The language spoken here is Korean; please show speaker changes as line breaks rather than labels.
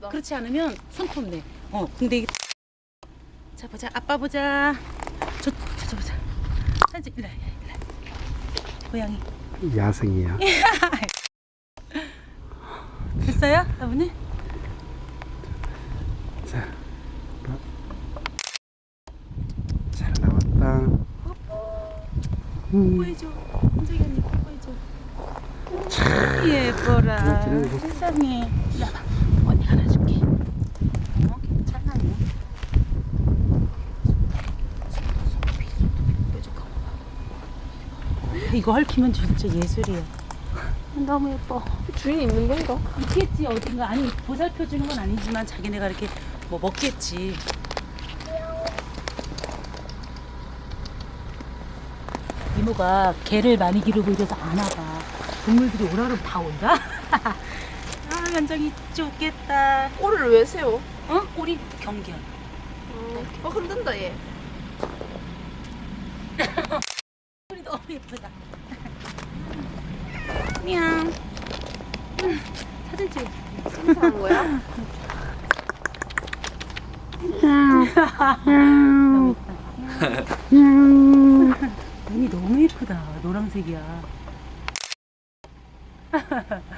귀엽다.
그렇지 않으면 손톱네. 근데 이게 자 보자. 아빠 보자. 저 보자. 사진 일로 와. 고양이.
야생이야.
됐어요, 아버님?
자, 잘 나왔다.
뽀뽀해줘. 은정이 언니 뽀뽀해줘. 예뻐라.
그래.
세상에. 일로 와봐. 언니가 안아줄게. 괜찮아요. 이거 헐키면 진짜 예술이야. 너무 예뻐.
주인이 있는 건가?
있겠지 어딘가. 아니 보살펴 주는 건 아니지만 자기네가 이렇게 뭐 먹겠지. 이모가 개를 많이 기르고 이래서 안 와봐. 동물들이 오라 그러면 다 온다. 아 연정이 좋겠다.
꼬리를 왜 세워?
꼬리 경계야.
흔든다 얘.
꼬리 너무 예쁘다. 냥. 사진 찍어.
칭찬한 거야?
너무 예쁘다. 눈이 너무 예쁘다. 노란색이야.